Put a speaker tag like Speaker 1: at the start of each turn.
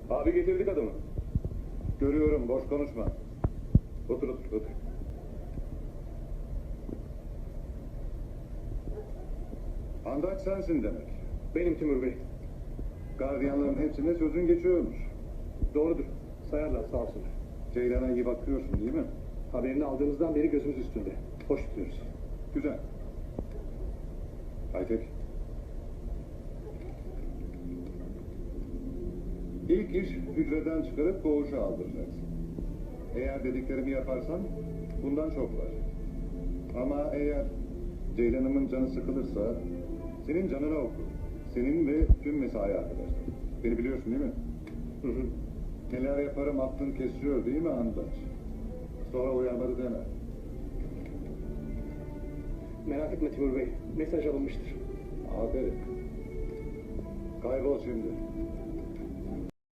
Speaker 1: Abi getirdik adamı.
Speaker 2: Görüyorum, boş konuşma.
Speaker 1: Otur otur otur.
Speaker 2: Handaç sensin demek.
Speaker 1: Benim Timur Bey.
Speaker 2: Gardiyanların hepsine sözün geçiyormuş.
Speaker 1: Doğrudur. Sayarlar sağ olsunlar.
Speaker 2: Ceylan'a iyi bakıyorsun değil mi?
Speaker 1: Haberini aldığımızdan beri gözümüz üstünde. Hoş tutuyoruz.
Speaker 2: Güzel. Aytek. İlk iş hücreden çıkarıp koğuşa aldıracaksın. Eğer dediklerimi yaparsan bundan çok var. Ama eğer Ceylan'ımın canı sıkılırsa senin canına okur. Senin ve tüm mesai arkadaşlar. Beni biliyorsun değil mi?
Speaker 1: Hı hı.
Speaker 2: Neler yaparım aklın kesiyor değil mi Andaç? Sonra uyarmadı deme.
Speaker 1: Merak etme Timur Bey. Mesaj alınmıştır.
Speaker 2: Aferin. Kaybol şimdi.